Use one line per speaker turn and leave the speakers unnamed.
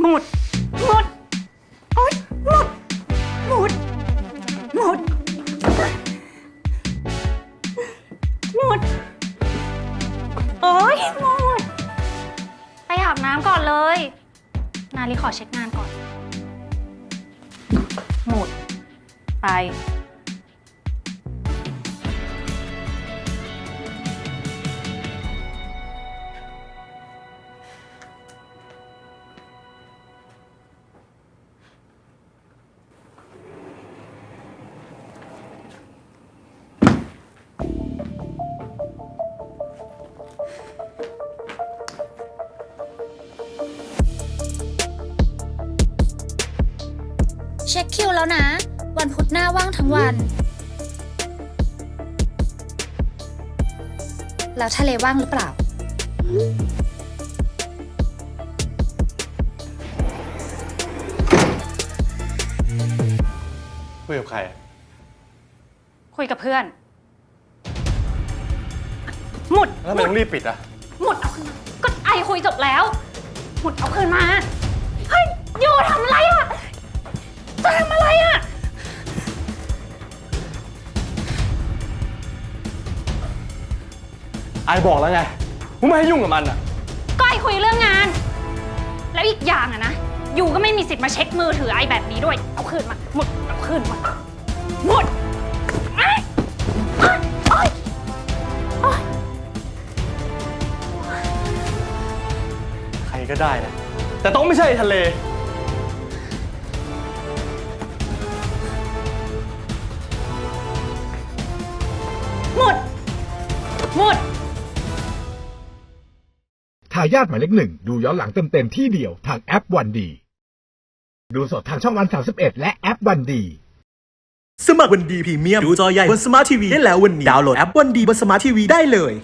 หมดหมดโอ๊ยหมดหมดหมดหมดโอ๊ยหมดไปอาบน้ำก่อนเลยนาลีขอเช็คงานก่อนหมดไป
เช็คคิวแล้วนะ วันพุธหน้าว่างทั้งวัน แล้วทะเลว่างหรือเปล่า
คุยกับใคร
คุยกับเพื่อนหมุด
แล้วทำไมต้องรีบปิดอ่ะ
หมุดเอาคืนมาก็ไอคุยจบแล้วหมุดเอาคืนมาเฮ้ยโยทำอะไรอ่ะจะทำอะไรอ่ะ
ไอบอกแล้วไงว่าไม่ให้ยุ่งกับมันอ่ะ
ก็ไอคุยเรื่องงาน แล้วอีกอย่างอะนะยูก็ไม่มีสิทธิ์มาเช็คมือถือไอแบบนี้ด้วยเอาคืนมาหมุดเอาคืนมาหมุดไอ้ไอ้ไอ้ไอ้
ใครก็ได้นะ แต่ต้องไม่ใช่ทะเล
หมุดหมุด
ทายาทหมายเลขหนึ่งดูย้อนหลังเต็มๆที่เดียวทางแอปวันดีดูสดทางช่องวัน31และแอปวันดี
สมัครวันดีพรีเมียมดูจอใหญ่บนสมาร์ททีวีได้แล้ววันนี้ดาวน์โหลดแอปวันดีบนสมาร์ททีวีได้เลย